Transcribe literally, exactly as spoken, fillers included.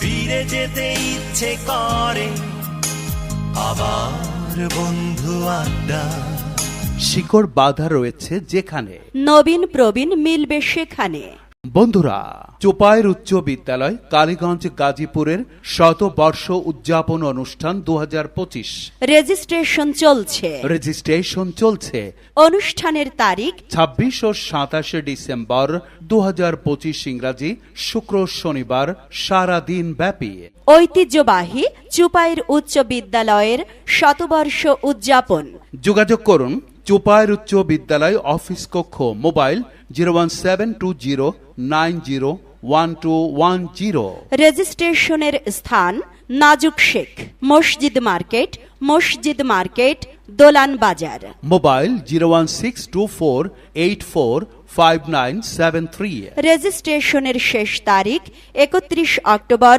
ফিরে যেতে ইচ্ছে করে আবার বন্ধু আড্ডা। শিকড় বাঁধা রয়েছে যেখানে, নবীন প্রবীণ মিলবে সেখানে। বন্ধুরা, চোপাইর উচ্চ বিদ্যালয় কালীগঞ্জ গাজীপুরের শতবর্ষ উদযাপন অনুষ্ঠান দু হাজার পঁচিশ রেজিস্ট্রেশন চলছে। রেজিস্ট্রেশন চলছে। অনুষ্ঠানের তারিখ ছাব্বিশ ও সাতাশে ডিসেম্বর দু হাজার পঁচিশ ইংরাজি, শুক্র শনিবার, সারাদিন ব্যাপী। ঐতিহ্যবাহী চুপাইর উচ্চ বিদ্যালয়ের শতবর্ষ উদযাপন। যোগাযোগ করুন চোপাইর উচ্চ বিদ্যালয় অফিস কক্ষ, mobile zero one seven two zero nine zero one two one zero. রেজিস্ট্রেশনের স্থান নাজুক শেখ, মসজিদ মার্কেট, মসজিদ market, Dolan Bazar. Mobile zero one six two four eight four five nine seven three. রেজিস্ট্রেশনের শেষ তারিখ একত্রিশ অক্টোবর